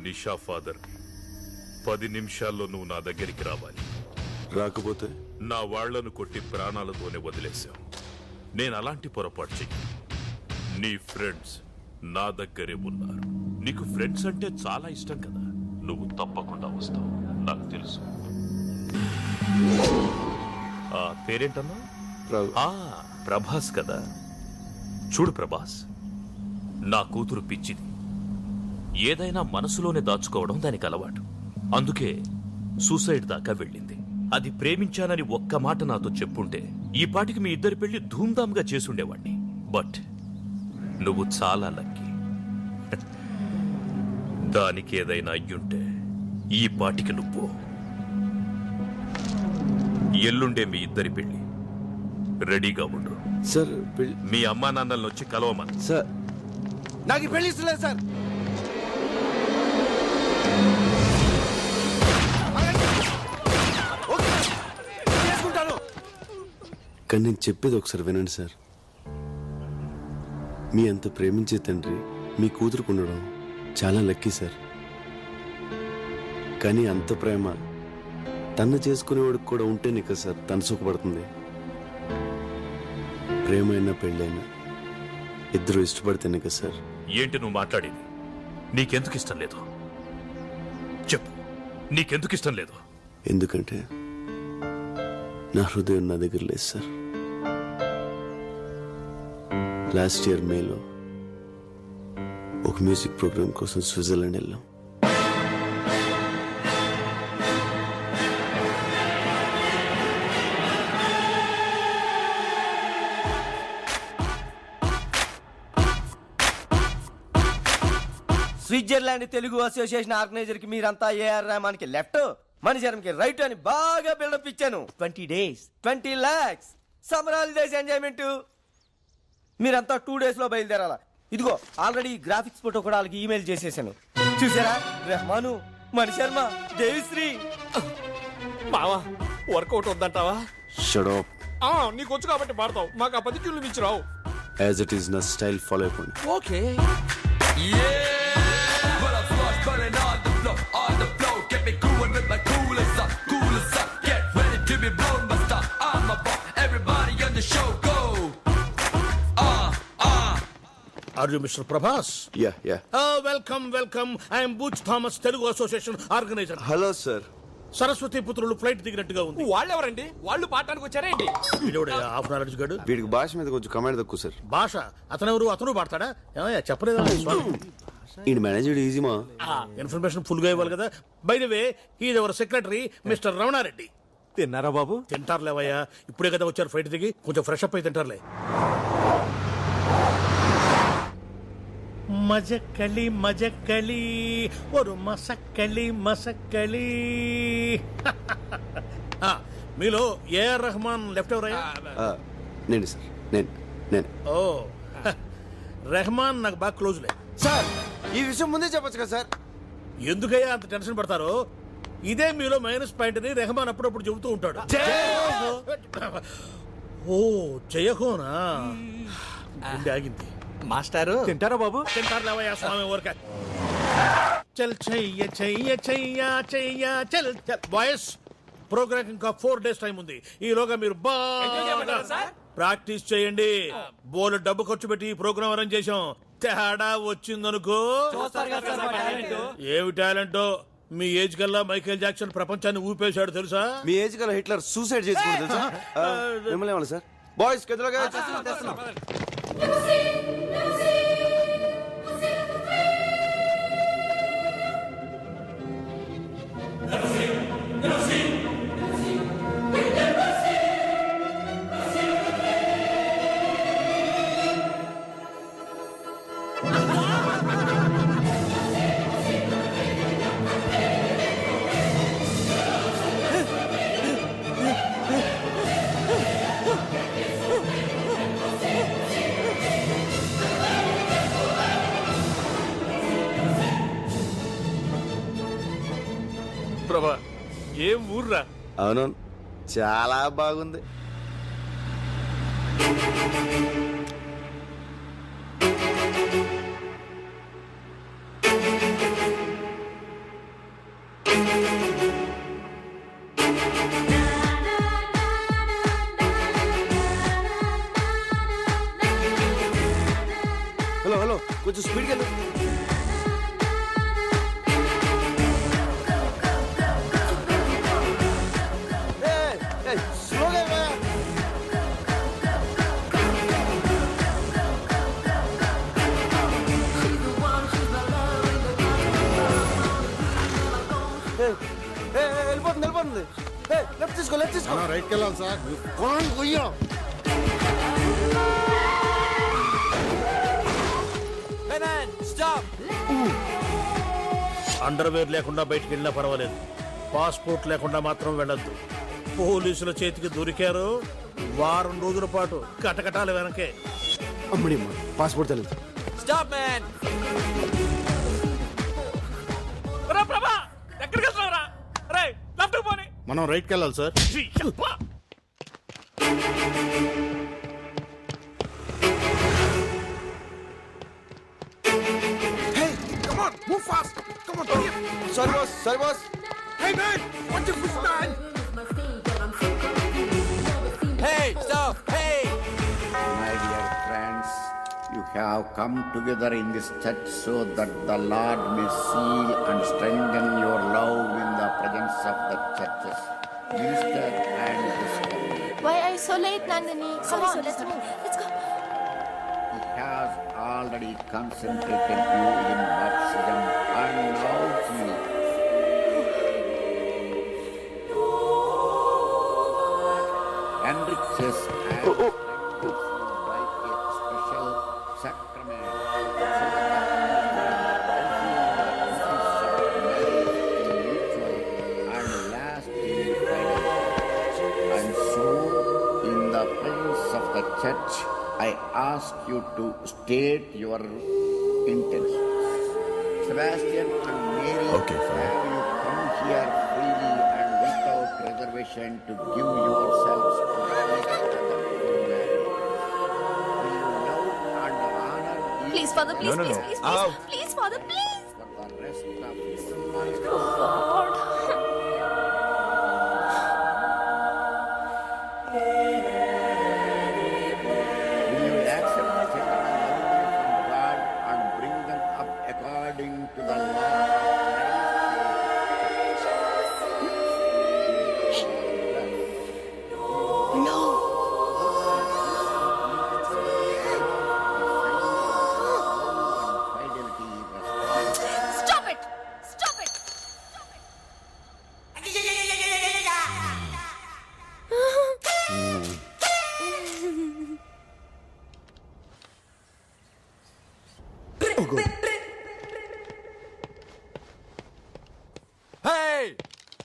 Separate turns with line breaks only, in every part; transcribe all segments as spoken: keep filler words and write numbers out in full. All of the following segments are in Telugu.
నిషా ఫాదర్. పది నిమిషాల్లో నువ్వు నా దగ్గరికి రావాలి.
రాకపోతే
నా వాళ్లను కొట్టి ప్రాణాలతోనే వదిలేశావు. నేను అలాంటి పొరపాటు చెయ్యి. నీ ఫ్రెండ్స్ నా దగ్గరే ఉన్నారు. నీకు ఫ్రెండ్స్ అంటే చాలా ఇష్టం కదా. నువ్వు తప్పకుండా వస్తావు, నాకు తెలుసు. ఆ పేరేంటన్నా? ప్రభాస్ కదా. చూడు ప్రభాస్, నా కూతురు పిచ్చిది. ఏదైనా మనసులోనే దాచుకోవడం దానికి అలవాటు. అందుకే సూసైడ్ దాకా వెళ్ళింది. అది ప్రేమించానని ఒక్క మాట నాతో చెప్పుంటే ఈ పాటికి మీ ఇద్దరి పెళ్లి ధూమ్ధామ్గా చేసుండేవాణ్ణి. బట్ నువ్వు చాలా లక్కీ. దానికి ఏదైనా అయ్యుంటే ఈ పాటికి నువ్వు. ఎల్లుండే మీ ఇద్దరి పెళ్లి. రెడీగా ఉండు.
సార్
మీ అమ్మా నాన్నలను వచ్చి కలవమని.
సార్
నాకు పెళ్లి ఇస్తలేదు సార్.
కానీ నేను చెప్పేది ఒకసారి వినండి సార్. మీ అంత ప్రేమించే తండ్రి మీ కూతురుకు ఉండడం చాలా లక్కీ సార్. కానీ అంత ప్రేమ తను చేసుకునేవాడికి కూడా ఉంటేనే కదా సార్ తను సుఖపడుతుంది. ప్రేమ అయినా పెళ్ళైనా ఇద్దరు ఇష్టపడితేనే కదా సార్.
ఏంటి నువ్వు మాట్లాడేది? నీకెందుకు ఇష్టం లేదు చెప్పు. నీకెందుకు ఇష్టం లేదు?
ఎందుకంటే నా హృదయం నా దగ్గర లేదు సార్. లాస్ట్ ఇయర్ మేలో ఒక మ్యూజిక్ ప్రోగ్రామ్ కోసం స్విట్జర్లాండ్ వెళ్ళాం.
స్విట్జర్లాండ్ తెలుగు అసోసియేషన్ ఆర్గనైజర్ కి మీరంతా ఏఆర్ రెహమాన్ కి లెఫ్ట్, మణిశరం కి రైట్ అని బాగా బిల్డప్ ఇచ్చాను. Twenty days twenty lakhs summer holidays enjoyment. మీరంతా టూ డేస్ లో బయలుదేరాలా. ఇదిగో ఆల్రెడీ గ్రాఫిక్స్ ఫోటో కూడా వాళ్ళకి ఈమెయిల్ చేసేసాను. చూసారా? రెహమాను, మణిశర్మ, దేవిశ్రీ.
మావా వర్కౌట్ వద్దంటావా?
Shut up.
నీకు వచ్చు కాబట్టి పాడతావు, మాకు ఆ పది కిలో మించి రావు.
యాజ్ ఇట్ ఈస్ నా స్టైల్ ఫాలో అయిపోండి.
Okay. Are you Mister Prabhas?
Yeah, yeah.
Oh, welcome, welcome. I am Butch Thomas, Telugu Association organizer.
Hello sir.
సరస్వతి పుత్రులు ఫ్లైట్ దిగినట్టుగా ఉంది. వాళ్ళెవరండి? వాళ్ళు పాడటానికి వచ్చారేంటి? వీడోడయ్యా హాఫ్ నాలెడ్జ్ గడు.
వీడికి భాష మీద కొంచెం కమాండ్ తక్కువ సార్.
భాష? అతనెవరు? అతను పాడతాడా? ఏమయ్యా చెప్పలేదా?
ఈ మేనేజర్ ఈజీ మా
ఇన్ఫర్మేషన్ ఫుల్ గా ఇవ్వాలి కదా. By the way, he's our secretary mister Ramana Reddy.
తిన్నారా బాబు?
తింటారులేవయ్యా, ఇప్పుడే కదా వచ్చారు ఫ్లైట్ దిగి, కొంచెం ఫ్రెష్ అప్ అయి తింటారులే. మజక్కలి మజక్కలి ఒరు మసక్కలి మసక్కలి. మీలో ఏఆర్ రెహమాన్ లెఫ్ట్ ఎవరయ్యా?
నేను సార్. నేను నేను
ఓ రెహమాన్ నాకు బాగా క్లోజ్లే.
సార్ ఈ విషయం ముందే చెప్పొచ్చు కదా సార్.
ఎందుకయ్యా అంత టెన్షన్ పడతారు? ఇదే మీలో మైనస్ పాయింట్ అని రెహమాన్ అప్పుడప్పుడు చెబుతూ ఉంటాడు. ఓ జయహోనా? గుండె ఆగింది.
మాస్టారు తింటారా బాబు?
తింటారు లేవయ్యా స్వామి ఊరక. చల్ చెయ్య చెయ్య చెయ్య చెయ్య చల్ చల్. బాయ్స్, ప్రోగ్రామ్ ఇంకా ఫోర్ డేస్ టైం ఉంది. ఈలోగా మీరు బాగా ప్రాక్టీస్ చేయండి. బోల్ డబ్బు ఖర్చు పెట్టి ఈ ప్రోగ్రామ్ అరేంజ్ చేశాం. తేడా వచ్చిందనుకో. ఏమి టాలెంటో. మీ ఏజ్ కల్లా మైకేల్ జాక్సన్ ప్రపంచాన్ని ఊపేశాడు తెలుసా?
మీ ఏజ్ కల్లా హిట్లర్ సూసైడ్ చేసుకుంటారు తెలుసా? మిమ్మల్ని ఏమన్నా సార్? బాయ్స్ గదిలోగా తెస్తున్నాం.
ప్రభా, ఏం ఊర్రా?
అవునవును, చాలా బాగుంది. కొంచెం స్పీడ్కి వెళ్ళు. స్లోగా. వెళ్ళిపోతుంది వెళ్ళిపోతుంది. లెఫ్ట్ తీసుకో లెఫ్ట్ తీసుకో.
రైట్కి వెళ్ళాలి సార్. పొలం కొయ్యం. అండర్వేర్ లేకుండా బయటికి వెళ్ళినా పర్వాలేదు, పాస్పోర్ట్ లేకుండా మాత్రం వెళ్ళొద్దు. పోలీసుల చేతికి దొరికారు, వారం రోజుల పాటు కటకటాల వెనకే.
అమ్మడి పాస్పోర్ట్ తెలియదు.
Stop man. ప్రభా ఎక్కడికి వెళ్తున్నావురా? రే లెఫ్ట్ పోనీ.
మనం రైట్కి వెళ్ళాలి sir.
Move fast! Come on, hurry up!
Sorry boss, sorry boss.
Hey man, watch your push man!
Hey, stop! Hey!
My dear friends, you have come together in this church so that the Lord may seal and strengthen your love in the presence of the churches, minister and sister.
Why are you so late, Nandini? Come on, let's move. Let's go.
He has already concentrated you in baptism and now he enriches and strengthens you by a special sacrament so that and lasting fidelity. And so, in the presence of the church, I ask you to state your intention. Sebastian and Mary,
Okay, fine.
have you come here freely and without reservation to give yourselves to each other in marriage? Will you love and honor each
Please, Father, please,
No, no,
please,
no.
please, please,
Out.
please, Father, please.
for the rest of your life?
God.
Will you accept the children from God and bring them up according to the law of Christ?
No. Stop it. Stop it.
Hey!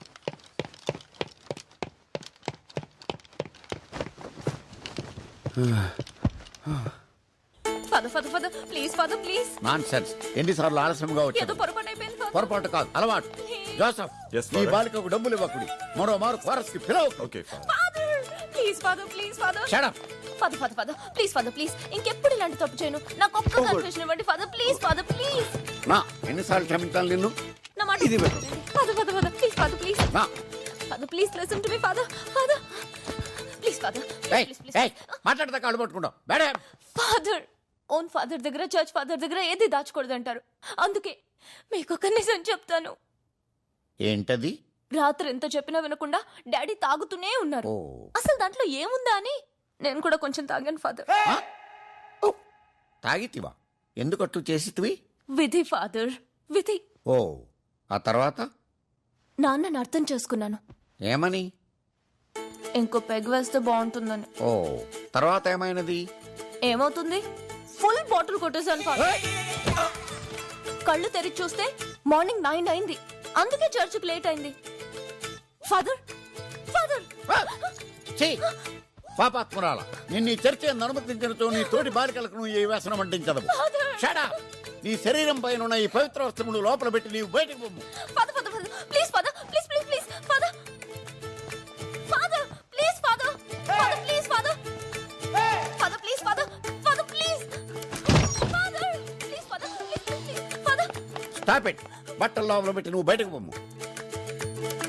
Father, Father, Father, please, Father, please.
Nonsense. ఎన్నిసార్లు ఆలస్యంగా
ఏదో
వచ్చాను.
పొరపాటు అయిపోయింది, Father.
పొరపాటు కాదు, అలవాటు. జోసఫ్, ఈ బాలికకు డబ్బులు ఇవ్వకుడి. మరో మారు ఫారెస్ట్ కి పిలవ.
Father, please, Father, please, Father.
Shut up.
Father, Father, Father, please, Father, please. ఇంకెప్పుడు ఇలాంటి తప్పు చేయను. నాకు ఒక్క కన్ఫెషన్ ఇవ్వండి, Father, please, Father, please.
నా ఎన్నిసార్లు క్షమించాలి నిన్ను?
నా మాట Father, Father, Father, please, Father, please.
నా
Father, please listen to me, Father. Father, please, Father,
ఏయ్,
please, please,
ఏయ్, మాట్లాడదా కాళ్ళు పట్టుకుంటావు. మేడం,
ఫాదర్ ఓన్ ఫాదర్ దగ్గర చర్చ్ ఫాదర్ దగ్గర ఏది దాచకూడదు అంటారు. అందుకే మీకు ఒక నిజం చెప్తాను.
ఏంటది?
రాత్రి ఎంత చెప్పినా వినకుండా డాడీ తాగుతూనే ఉన్నారు.
ఓ.
అసలు దాంట్లో ఏముందా అని నేను కూడా కొంచెం తాగాను ఫాదర్.
ఆ? ఓ, తాగితివా? ఎందుకట్టు చేసితివి?
విధి ఫాదర్, విధి.
ఓ, ఆ తర్వాత
నాన్నని అర్థం చేసుకున్నాను.
ఏమని?
ఇంకో పెగ్ వేస్తే బాగుంటుందని.
ఓ, తర్వాత ఏమైనది?
ఏమవుతుంది? ఫుల్ బాటిల్ కొట్టేశాను ఫాదర్. కళ్ళు తెరిచి చూస్తే మార్నింగ్ నైన్ అయింది. అందుకే చర్చికి లేట్ అయింది. ఫాదర్ ఫాదర్
చెయ్యి పాపాత్మురాల, నిన్ను ఈ చర్చ అనుమతించినతో నీ తోటి బాలికలకు నువ్వు ఈ వ్యసనం అంటించదవు. Shut up. నీ శరీరం పైన ఉన్న ఈ పవిత్ర వస్త్రములు లోపల పెట్టి నీవు బయటకు పొమ్ము.
Father father father please father please please please father father please father father please father father please father father please father please father please please father.
Stop it. బట్టల లోపల పెట్టి నువ్వు బయటకు పొమ్ము.